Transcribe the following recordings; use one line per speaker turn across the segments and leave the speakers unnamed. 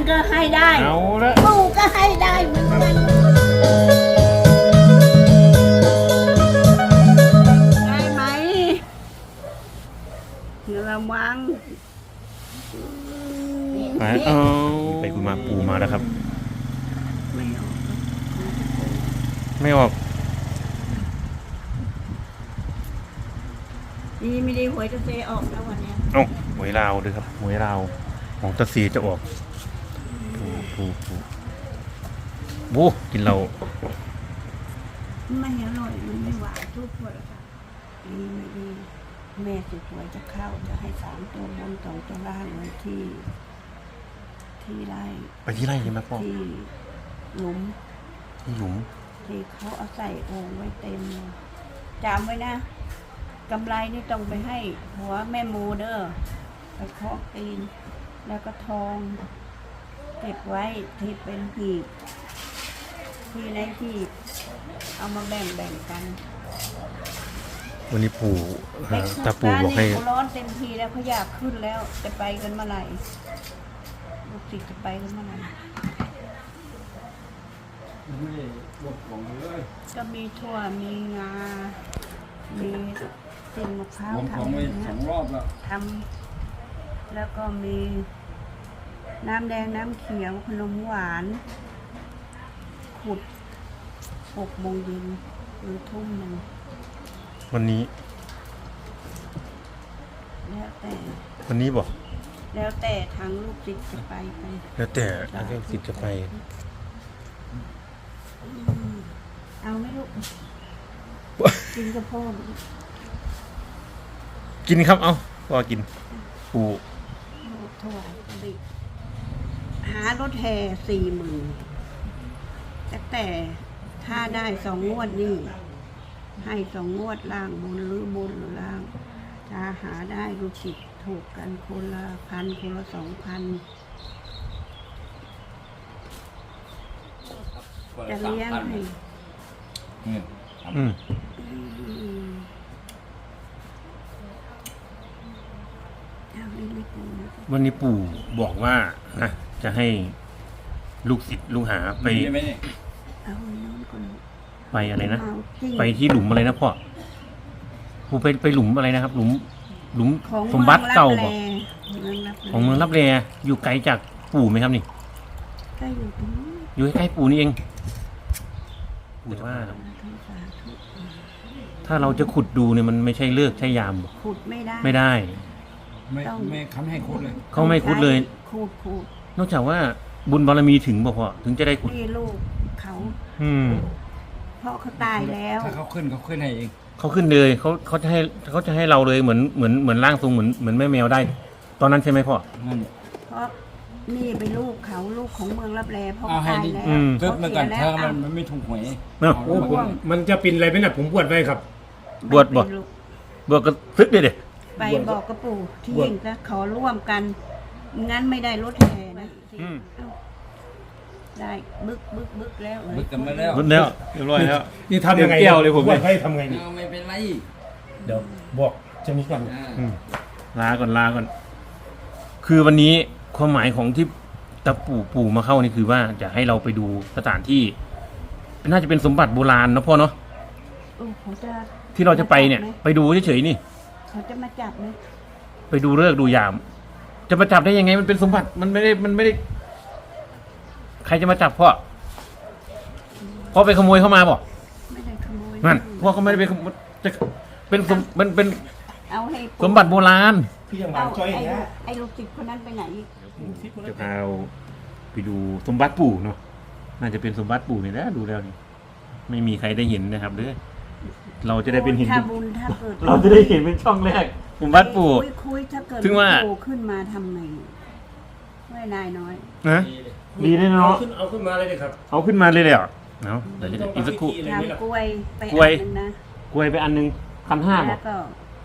ก็ให้ได้
เอาละ
ปู่ก็ให้ได้เหมือนกันได้ไหมระวัง
ไปเอาไปคุยมาปู่มาแล้วครับ
ไม่ออก
ไม่ออก
ดีไม่ดีหวยจะเซออกแล้ววันเนี้ย
เอ้าหวยลาวด้วยครับหวยลาวของตะซีจะออกปูบูกินเรา
ไม่อร่อยมันไม่หวานทุกคนค่ะดีไม่ดีแม่สุดหวยจะเข้าจะให้3 ตัวบน2 ตัวล่างไว้ที่ไร่
ไปที่ไร่ใช่ไหมพ่อ
ที่หลุม
ที่หลุม
ที่เขาเอาใส่โอ่งไว้เต็มเลยจำไว้นะกำไรนี่ต้องไปให้หัวแม่มูเด้อไปเคาะตีนแล้วก็ทองเก็บไว้ที่เป็นหีบที่ในหีบเอามาแบ่งกัน
วันนี้ปู่ตาปู่บอกให้
เขาร้อนเต็มทีแล้วเขาอยากขึ้นแล้วจะไปกันเมื่อไหร่ลูกศิษย์จะไปกันเมื่อไหร่ก็มีถั่วมีงา มีเส้นมะพร้าวทำทำแล้วก็มีน้ำแดงน้ำเขียวขนมหวานขุด6 โมงเย็นหรือทุ่มหนึ่ง
วันนี้
แล้วแต่
วันนี้บอก
แล้วแต่ทางลูกศิษย์จะไป
แล้วแต่ทางสิทธิ์จะไป
เอาไหมลูก กินกับพ่อไหม
กินครับเอาพ่อกินปู่
ลูกถวายบิดหารถแห่40,000แต่ถ้าได้2 งวดนี่ให้2 งวดล่างบนหรือบนหรือล่างถ้าหาได้ลูกศิษย์ถูกกันคนละ1,000คนละ2,000จะเลี้ยงให้
อืม
เอาเล็กๆนะ
วันนี้ปู่บอกว่านะจะให้ลูกศิษย์ลูกหาไป
เอาน้องก่อน
ไปอะไรนะ
เอาจริง
ไปที่หลุมอะไรนะพ่อปู่ไปหลุมอะไรนะครับ หลุม
ของ
สมบัติเก่า
บ
บอก
อก
ของเมืองรับแลอยู่ไกลจากปู่ไหมครับนี่
ก็อยู่ตรงนี้
อยู่ใกล้ๆปู่นี่เองปู่ว่า
สาธุ
ถ้าเราจะขุดดูเนี่ยมันไม่ใช่เลิกใช่ยามบอก
ขุดไม่ได้
ไม่ได้
ไม่เขาไม่ให้ขุดเลย
เขาไม่ขุดเลย
ขุด
นอกจากว่าบุญบารมีถึงบอกพ่อถึงจะได้ขุด
นี่ลูกเขา
อืม
เพราะเขาตายแล้ว
ถ้าเขาขึ้นให้เอง
เขาขึ้นเลยเขาจะให้เราเลยเหมือนร่างทรงเหมือนแม่แมวได้ ตอนนั้นใช่ไหมพ่อ
นั่น
เพราะนี่เป็นลูกเขาลูกของเมืองรับแลเพราะ
เอา
เขา
ให้
ตาย
ดิ
แล้ว
ตึ๊บมาก่อน
เขา
ถ้า
เสียแล้ว
มันไม่ถูกหวย
เนาะ
เอา
โอ้
มา
ผม
ก่อน
มันจะเป็นอะไรไหมนะผมบวชไว้ครับ
บวชบ่
ไม่เป็นลูก
บวกกระซึกเลยเด็
ไปบอกกระปู่ที่
บวช
ยิงจะขอร่วมกัน งั้นไม่ได้รถแห่นะเอ้าได้บึกแล้ว
บึกกันมาแล้ว
บุญแล้วเรียบร้อยแล้ว
นี่ทำยังไง
เดี๋ยวแก้วเลยผม
บวชให้ทำไงนี่
เอาไม่เป็นไร
เดี๋ยวบอกจะมีกัน
อืมลาก่อนคือวันนี้ความหมายของที่ตาปู่มาเข้านี่คือว่าจะให้เราไปดูสถานที่ น่าจะเป็นสมบัติโบราณเนาะพ่อเนาะ
เขาจะ
ที่เราจะไปเนี่ย ไปดูเฉยๆนี่
เขาจะมาจับไหม
ไปดูเลิกษ์ดูยาม จะมาจับได้ยังไงมันเป็นสมบัติมันไม่ได้ ใครจะมาจับพ่อไปขโมยเข้ามาบ่
ไม่ได้ขโมย
นั่นพ่อเขาไม่ได้ไปขโมยจะเป็นเป็น
เอาให้
สมบัติโบราณ
พี่ยังหวา
เอา
นจ้อยอย่างเงี้ย
ไอ้ลูกศิษย์คนนั้นไปไหนอีก
จะพาเราไปดูสมบัติปู่เนาะน่าจะเป็นสมบัติปู่นี่แหละดูแล้วนี่ไม่มีใครได้เห็นนะครับเด้อเราจะได้เป็นเห็น
ถ้าบุญถ้าเกิด
เราจะได้เห็นเป็นช่องแรกสมบัติปู่
คุยถ้าเกิด
ถึงว่า
ปู่ขึ้นมาทำไงไม่นายน้อย
นะดีเลยเนาะ
เอาขึ้นมาเลยดิครับ
เอาขึ้นมาเลยเดี๋ยวเนาะเดี๋ยวจะอีกสักครู่
ทำกล้วยไป
กล้วย
อันนึงนะ
กล้วยไปอันหนึง1,500บ
แล้
อ
วก็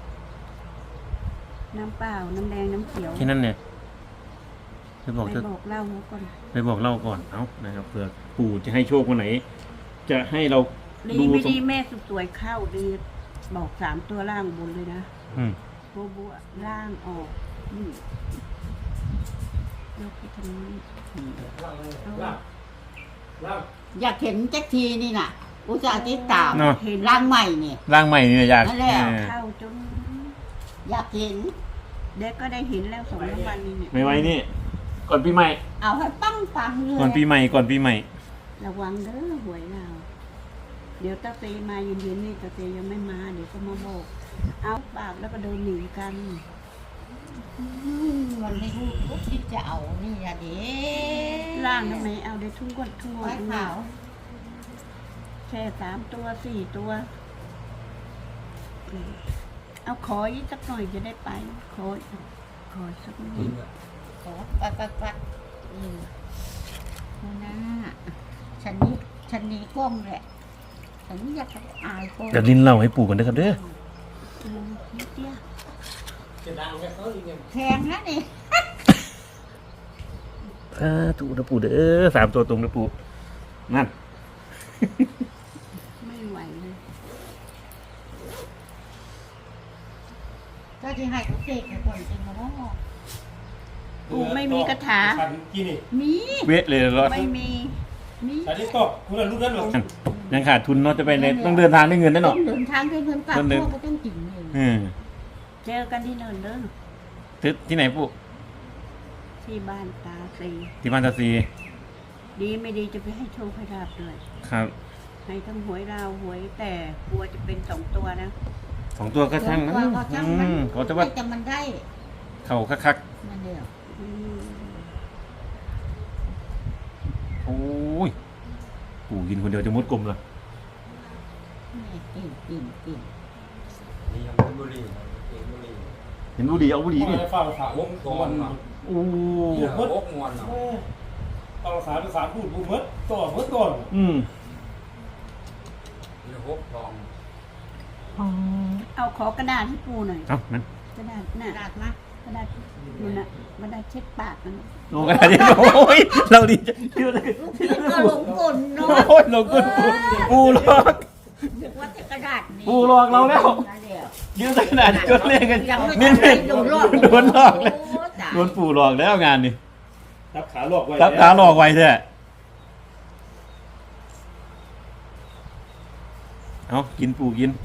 น้ำเปล่าน้ำแดงน้ำเขียว
แค่นั้นเนี่ยไปบอก
ไป
เธอ
บอกเล่าเขาก่อน
ไปบอกเล่าก่อนเอานะครับเผื่อปู่จะให้โชควันไหน จะให้เรา
ดี
ดู
ไม่
สม
ดีแม่สุดสวยเข้าดีบอก3 ตัวล่างบนเลยนะ
อืม
บัวล่างออกนี่ยกไปทางนี้เอา
อยากเห็นแจ็คทีนี่น่ะ อุตส่าห์ติดตาม
เนาะ
เห็น
ร่างใหม่นี่
ร่างใหม่นี่อยาก
นั่นแหละ
เข้าจน
อยากเห็น
เด็กก็ได้เห็นแล้ว2 วันนี้เนี่ย
ไม่ไว้นี่ ก่อนปีใหม่
เอาให้ปังปังเลย
ก่อนปีใหม่ ก่อนปีใหม่
ระวังเด้อหวยเราเดี๋ยวตาเตมาเย็นๆนี่ตาเตยังไม่มาเดี๋ยวก็มาบอกเอาปากแล้วก็เดินหนีกัน
มันไม่รู้ทุกที่จะเอานี่อะเด้
ล่างทำไมเอาได้ทุ่งกดทุ่ง
ไว้
ด
ขาว
แค่3 ตัว 4 ตัวเอาขออีกสักหน่อยจะได้ไปขอสักหน่อย
ขอปัดนะฉันนี้กล้องแหละฉันอยากจะอายกล้อง
เดี๋ยวลินเล่าให้ปู่กันนะครับเด้อ
นิดเดียว
แพงนะนี่
ถูกนะปู่เด้อ3 ตัวตรงนะปู่นั่น
ไม่ไหวเลย
ก็ที่ให้เขาเสกให้คนจริงเนาะ
ปู่ไม่มีกระถา
ขันกี่นี่
มี
เวทเลยเหรอ
ไม่มี
อันนี้ตกคุณรู้นั้นหรอ
ยังขาดทุนเนาะจะไปเลยต้องเดินทางด้วยเงินแน่นอน
เดินทางด้วยเงินฝาก
คนหนึ่ง
พ่อก็ต้องกินเอง
อืม
เจอกันที่เนินเด้อ
ที่ไหนปู่
ที่บ้านตาซี
ที่บ้านตาซี
ดีไม่ดีจะไปให้โชคให้ลาบด้วย
ครับ
ให้ทั้งหวยราวหวยแต่กลัวจะเป็น2 ตัวนะ
2 ตัวก็ช่างนะ
ก็ช่างมัน
เขาจะว่า
แต่มันได้
เข่าคัก
มันเดียว
อืม
ๆโอ้ยปู่กินคนเดียวจะมุดกลมเลย
นี่กิน
นี่ยังบุรีบุรี
เห็นบุหรี่เอาบุหรี่
นี่
นี่
ฟังสาว
วงกอนเนาะ
โอ้
วงมวนเนาะ
ฟังสาวภาษาพูดบูมดต่อมดก่อน
อืม
นี่หกทอง
เอาขอกระดาษให้ปูหน่อย
เอ้านั่น
กระดาษน่ะ
กระดาษมาก
ระดาษนู่นน่ะกระดาษเช็ดปากนั่นน่ะ
โอ้ยโอ้ยเราดีใจที่เราได้
ลูกชิ้นก็หลงกลเนาะ
โอ้ยเรากุนปูหลอก
นึกว่าจะกระดาษนี่
ปูหลอกเราแล้ว
นั่นเดียว
ยืมใส่กระดาษจนเล่นกัน
ยังไม่
นี่
ทันได้โดนหลอก
โดนหลอกแล้ว
โอ้ตาย
โดนปู่หลอกแล้วงานนี่
รับขาหลอกไว้
รับตาหลอกไว้แท้เอากินปู่กิน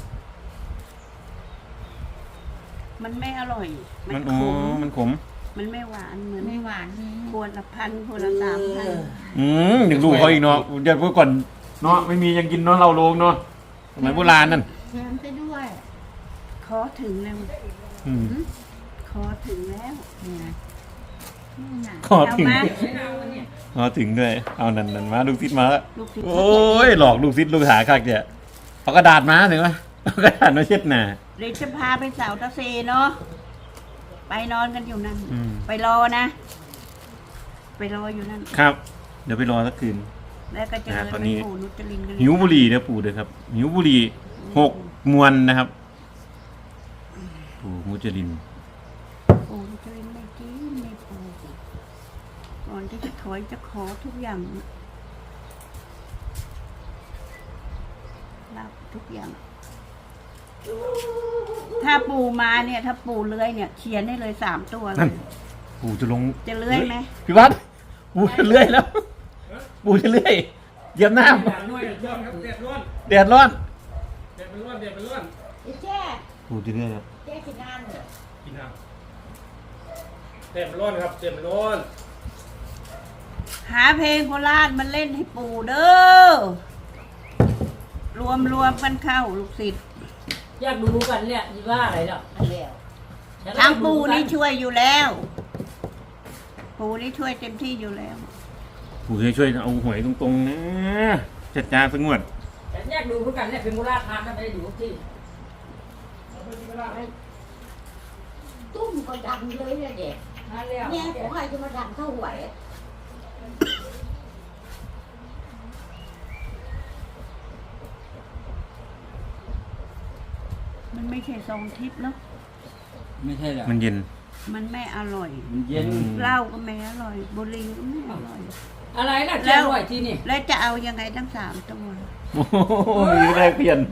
มันไม่อร่อย
มัน
ข
อ๋อ
ม
มันขม
มันไม่หวานเหมือน
ไม่หวานนี่
ขวดละ1,000ขวดละ3,000
อย่างลูกเขาอีกเนาะเดี๋ยวเมื่อก่อนเนาะไม่มียังกินเนาะเราโลงเนาะสมัยโบราณนั่น
แถมไปด้วย
ขอถึงแล้ว
อืม
ขอถึงแล้ว
เนี่ยนี่น่ะ
ขอถึง
เอามา
ขอถึงด้วยเอานั่นมาลูกศิษย์มาแล้ว
ลูกศิษย์
โอ้ยหลอกลูกศิษย์ลูกหาคักเนี่ยเอากระดาษมาถึงไหมเอากระดาษมาเช็ดหน้า
เดี๋ยวจะพาไปเสาตะเซเนาะไปนอนกันอยู่นั่น
อืม
ไปรอนะ ไปรออยู่นั่น
ครับ เดี๋ยวไปรอสักคืน
แล้วก็เจอ
ตอนนี้
ปู่นุจรินกัน
หิวบุหรี่นะปู่เด้อครับหิวบุหรี่6 มวนนะครับปู่มุจลิน
ปู่นุจรินไม่กินไม่ปู่ก่อนที่จะถอยจะขอทุกอย่างรับทุกอย่าง ถ้าปู่มาเนี่ย ถ้าปู่เลื้อยเนี่ย เขียนได้เลย3 ตัวเล
นั่น
ย
ปู่จะลง
จะเลื้อยไหม
พี่วัดปู่จะเลื่อยแล้ว ปู่จะเลื่อยเหยียบน้
อย่างน้อยเดือดครับเดือดร้อน
ำแดดร้อน
เดือดเป็นร้อนเดือดเป็นร้อน
ไอ้แจ้
ปู่จะเลื่อยแล้ว
แจ้กินงานเหรอ
กินน้ำเดือดเป็นร้อนครับเดือดเป็นร้อน
หาเพลงโคราชมันเล่นให้ปู่เด้อรวมกันเข้าลูกศิษย์
อยากดูกันเนี่ยยี่ว่าอะไรหรอก
อันเดียว
ทางปู่นี่ช่วยอยู่แล้ว ปู่นี่ช่วยเต็มที่อยู่แล้ว
ปู่จะช่วยเอาหวยตรงๆนะจัดจานสงวด
แต่อยากดูเหมือนกันเนี่ยเป็นโบราณทานทำไมได้ดูที่
ตุ้มก็ดังเลยเนี่ยเด็ก
นั่นแล้ว
เนี่ยของใครจะมาดังเท่าไหว
มันไม่ใช่ซองทิพย์เนาะ
ไม่ใช่แหละ
มันเย็น
มันไม่อร่อย
มันเย็น
เหล้าก็ไม่อร่อยบุหรี่ก็ไม่อร่อย
อะไรนะเจ้าไหวที่นี่
แล้วจะเอายังไงทั้ง3 ตัว
โอ้โหมีแรกเปลี่ยน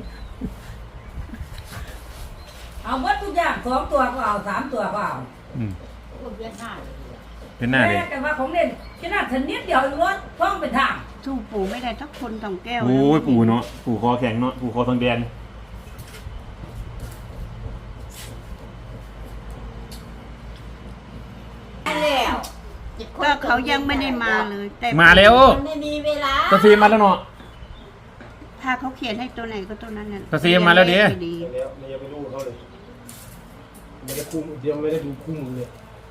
เอาหมดทุกอย่าง2 ตัวก็เอา3 ตัวก็เอา
อืม
คนเวียนหน้าเลย
ต
เป็นหน้าเลย
แต่ว่าของเล่นขนาดชนิดเดียวรถท่องเป็นทาง
สู้ปู่ไม่ได้ทักคน2 แก้ว
โอ้ยปู่เนาะปู่คอแข็งเนาะปู่คอทองแดง
แล้ว
ก็เขายังไม่ได้มาเลย แต่
มาแล้ว
มันไม่มีเวลา
ตาซีมาแล้วเนาะ
ถ้าเขาเขียนให้ตัวไหนก็ตัวนั้นน่ะ
ก็เสียมาแล้วดิ
ไม่ดี
แล้วมันยังไม่รู้เขาเลยไม่ได้คุ้มเดี๋ยวไม่ได้ดูคุ้มเลย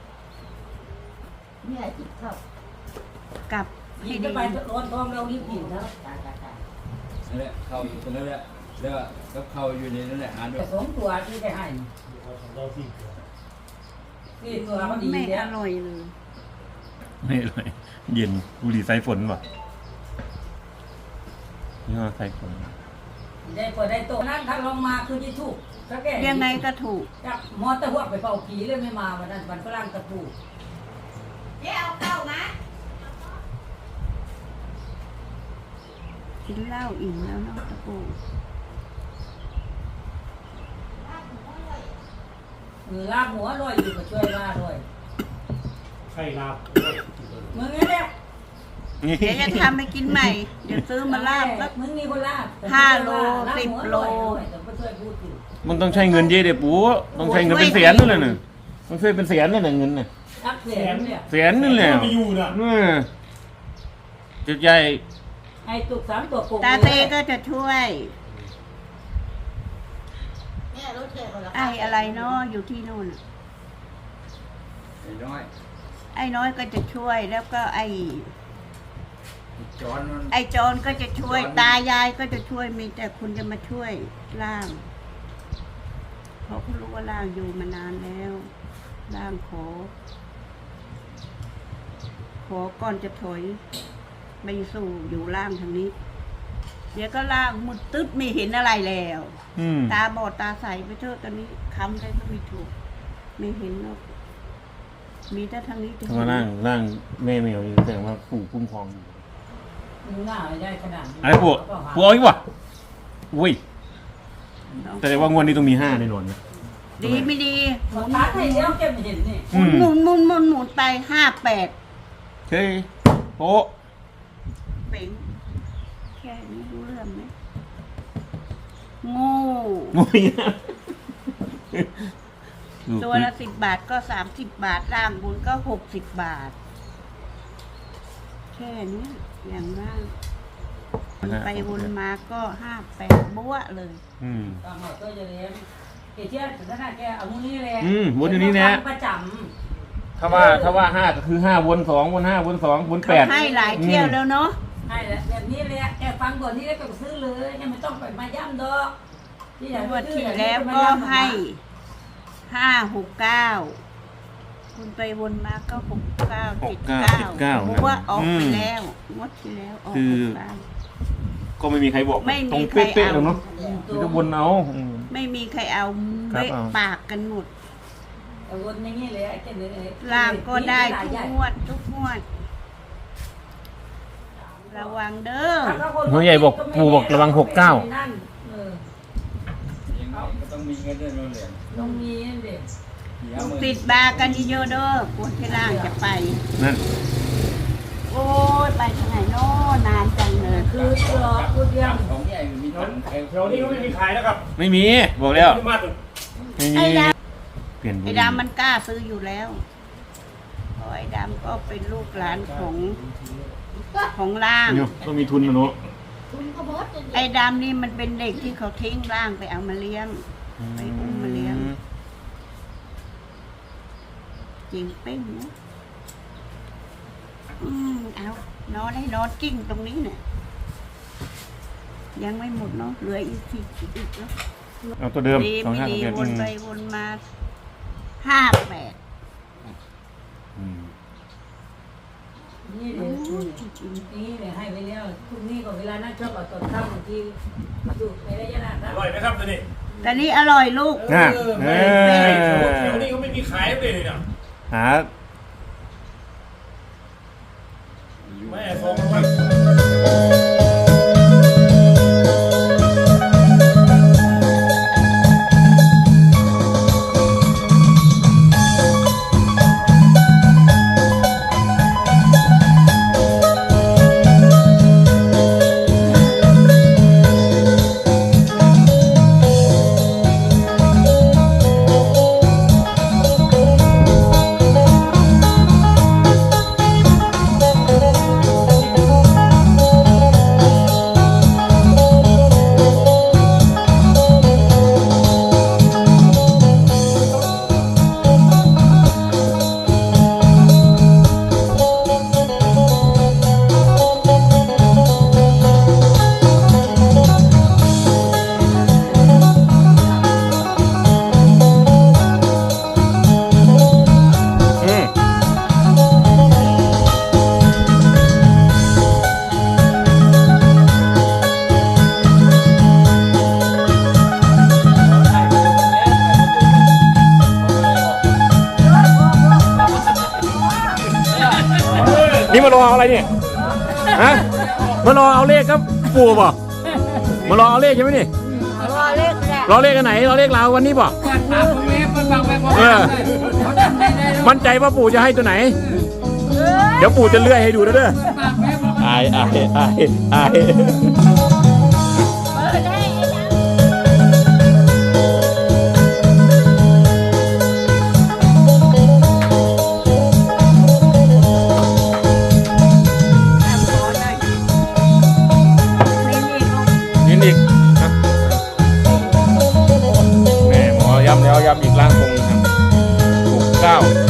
เนี่ยจิตเข้าก
ลับ
ยิ
ให้
ง
ดี
จะไปรถท่องเรารีบยิงแล้ว
นั่นแหละเข้าอยู่ตรงนั้นแหละแล้วก็เข้าอยู่ในนั่นแหละหาด้ว
แต่
ย
สองตัวที่ได้ให้
เราสิ
นี่ตัวเขาดี
ไม่
เนี่
อย ร่อยเลย
ไม่เลยเย็นบุหรี่สายฝนว่ะนี่ว่าสายฝน
ได้พอได้โตนั้นถ้าลงมาคือที่ถูกก็แก่
ยังไงก็ถูก
จับมอเตอร์หัวไปเป่าผีเลยไม่มาวันนั้นวันฝรั่งตะปู
เจ๊เอาเข้านะ
กินเหล้าอิ่มแล้วเนาะตะปู
ลาบหัวลอยอยู่ก็ช่วยว่าด้วย
ไข่ลาบ
มึงนี่แหละ
นี่
เดี๋ยวจะทำให้กินใหม่ เดี๋ยวซื้อมาลาบแล้ว
มึงมีคนลาบ
5 โล 10 โล
แต่ก็ช่วยพูดอยู่
มันต้องใช้เงินเยอะเดี๋ยวปู่ต้องใช้เงินเป็นแสนนั่นแหละน่ะต้องช่วยเป็นแสนนั่นแหละเงินน่ะ
ทักแสนเนี่ย
แสนนั่นแหละ
ไม่อยู่นะ
จุดใหญ่
ไอ้ตุก3 ตัวโกง
ตาเต้ก็จะช่วย
เนี่ยรถเจ๊คนละ
ไอ้อะไรเนาะอยู่ที่นู่นน่ะ
ไอ้น้อย
ไอ้น้อยก็จะช่วยแล้วก็ไอ้
จอนมัน
ไอ้จอนก็จะช่วย ตายายก็จะช่วยมีแต่คุณจะมาช่วยล่างเพราะเขารู้ว่าล่างอยู่มานานแล้วล่างขอก่อนจะถอยไปสู่อยู่ล่างทางนี้ เดี๋ยวก็ล่างมุดตึ๊บไม่เห็นอะไรแล้ว
อืม
ตาบอดตาใสไปเถอะตอนนี้คำอะไรก็ไม่ถูก ไม่เห็นหรอกมีแต่ทางนี้จะ
ถ้ามาร่างแม่แมวนี่แสดงว่าปู่คุ้มครองอยู่
มึงหน้าไม่ได้ขนาดนี้
อะไรปู่ปู่เอาอีกวะอุ้ยแต่ว่างวดนี้ต้องมี5แน่นอนนะ
ดีไม่ดีหมุน
ตาให้เดียวแกไม่เห็นนี่
อืม
หมุนไป58
เฮ้ยโป๊ะ
เป่งแค่นี้รู้เรื่องไหมโง่
งย
ตัวละ10 บาทก็30 บาทล่างบนก็60 บาท แค่นี้อย่างล่างวนไปวนมาก็58บัวเลย
อืม
ตามหมดก็จะเลี้ยงเกี่ยถึงขนาดแกเอามือนี่แหละ
วนอยู่นี่นะ
ประจ
ถ้าว่า5ก็คือ5วน2วน5วน2วน8
เขาให้หลายเที่ยวแล้วเนาะ
ำให้แล้วแบบนี้แหละแกฟังก่อนนี่แล้วก็ซื้อเลยยังไม่ต้องไปมาย่ำดอกที่อยาก
งวด
ซื้อ
ที่แล้วก็ให้569คุณไปวนมาก็6979บัวออกไปแล้วงวดที่แล้วออก69
ก็ไม่มีใครบอก
ไม่มี
ตรง
ใคร
เป๊ะๆ
เอา
หรอกเนาะมีแต่วนเอาอืม
ไม่มีใครเอา
ครับ
เบะ
เอา
ปากกันหมด
เอาวนอย่างนี้เลยไอ้แกเลย
ล่างก็ได้ทุกงวดระวังเด้อ
หัวใหญ่บอกปู่บอกระวัง69
นั่นเออ
ยังไงก็ต้องมีเงินด้วยนู่นแหละ
ต้องมีนั่นเด็ก
เสีย
ลูก
มือ
ติดบากันเยอะๆเด้อกลัวที่ล่างจะไป
นั่น
โอ้ยไปทางไหนโน่นานจังเลย
คือตัวพูดเรื่อง
ของใหญ่มีถัง
แถวนี้ก็ไม่มีขายแล้วครับ
ไม่มีบอกแล้ว
ที่มาถึง
ไม่มี
ไอ้ด
เปลี่ยน
ำไอ้ดำมันกล้าซื้ออยู่แล้วเพราะไอ้ดำก็เป็นลูกหลานของล่าง
เนี่ยต้องมีทุนนะเนาะ
คุณก็บดจะ
ไอ้ดำนี่มันเป็นเด็กที่เขาทิ้งล่างไปเอามาเลี้ยง ไปอุ้มมาเลี้ยง จริงเป้งนะเอานอนให้นอนกิ้งตรงนี้เนี่ยยังไม่หมดเนาะเหลืออีกอีกเนาะ
เอาตัวเดิม
ดีไม่ดี
25
วนไปวนมา58
อืม
นี่เดี๋ยวนี่เดี๋ยวให้ไปแล้วพรุ่งนี้ก็เวลานั่งชอบเอาตอนค่ำบางทีดูไประยะนั้น
อร่อยไหมครับตัวนี้
แต่นี่อร่อยลูก
น่ะ
ไม่
เอ
แถว
อ
นี้ก็ไม่มีขายเลยเนี่ย
หา
แม่ส่งมา
นี่มารอเอาอะไรเนี่ยฮะมารอเอาเลขครับปู่บ่มารอเอาเลขใช่ไหมนี่
รอเลขแหละ
รอเลขกันไหนรอเลขเราวันนี้บ่มั่นใจว่าปู่จะให้ตัวไหน เดี๋ยวปู่จะเลื่อยให้ดูนะเด้ออาย
เปิดให้ไอ้ด
ยินอีกครับแม่หมอย้ำแล้วย้ำอีกร่างทรงครับ69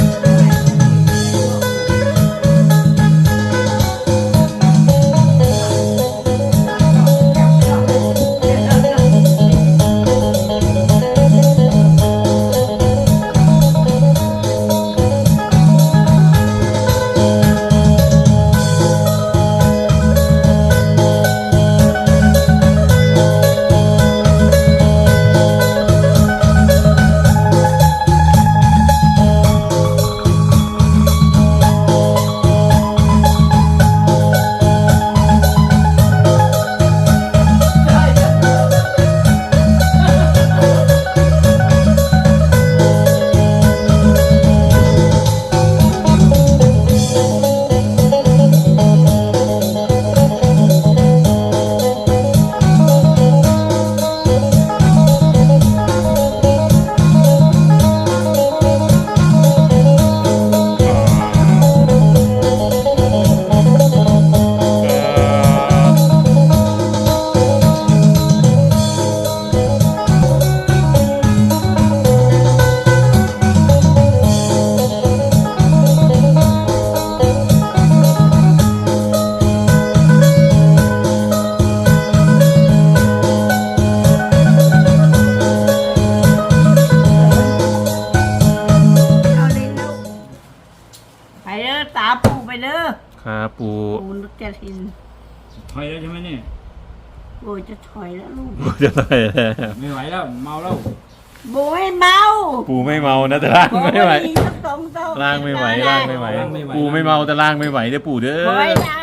ไปเด้อตาปูไปเด้อ
ครับปู่
ปูนึกจะทิน
ถอยแล้วใช่ไหมนี่
โอ้ยจะถอยแล้วลูก
ปู่จะได้แล้ว
ไม่ไหวแล้วเมาแล้ว
โบยเมา
ปู่ไม่เมานะแต่ร่างไม่ไหว
โบยสักสองเท่า
ร่างไม่ไหวร่างไม่ไหวปู่ไม่เมาแต่ร่างไม่ไหวเด้อปู่เด้อ
โบยดำ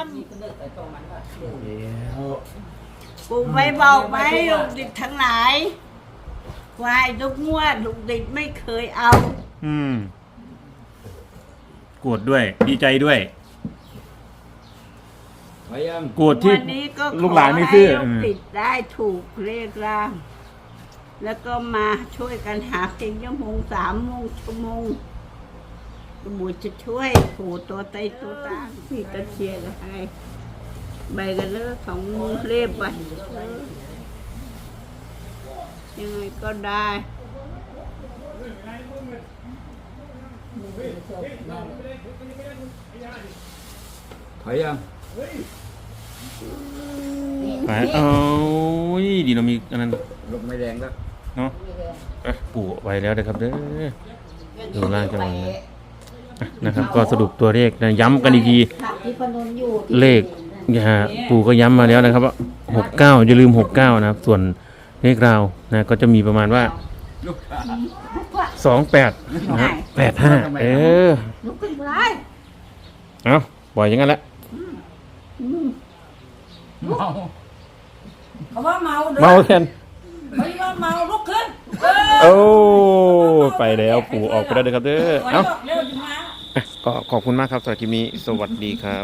ปูไปบอกไหมลูกดิดทั้งหลายควายทุกงวดลูกดิดไม่เคยเอา
โกรธด้วยดีใจด้วย
ถอยยัง
โกรธที่
วันนี้ก็
ลูกหลานไม่ซื้อ
ขให้ลูกติดได้ถูกเลขร่าง แล้วก็มาช่วยกันหาเพียงชั่วโมง3 ชั่วโมงบุตรจะช่วยผูตัวไตตัวตางพี่ตะเชียร์ให้ใบกันเลยของเรียบไปยังไงก็ได้
ถอยยัง
ไปเอาดีเรามีอันนั้น
ลมไม่แรงแล้ว
เนาะปู่ไว้แล้วนะครับเด้อดูร่างจังหวะนะครับ ก็สรุปตัวเลขนะย้ำกันอีกที
ที่พนนอยู่
เลขปู่ก็ย้ำมาแล้วนะครับว่า69อย่าลืม69นะครับส่วนเลขราวนะก็จะมีประมาณว่า
ลูกค้า
28นะฮะ85
ลุกขึ้นไป
เอาปล่อยอย่างนั้นแหละ
เมา
เขาว่าเมาเด้อ
เมาแทน
ไม่ว่าเมาลุกขึ้น
โอ้ไปแล้วปู่ออกไปแล้วนะครับเด้อ
ถอย
เอ้า
ออกเร็วจังมา
ก็ขอบคุณมากครับสำหรับคลิปนี้สวัสดีครับ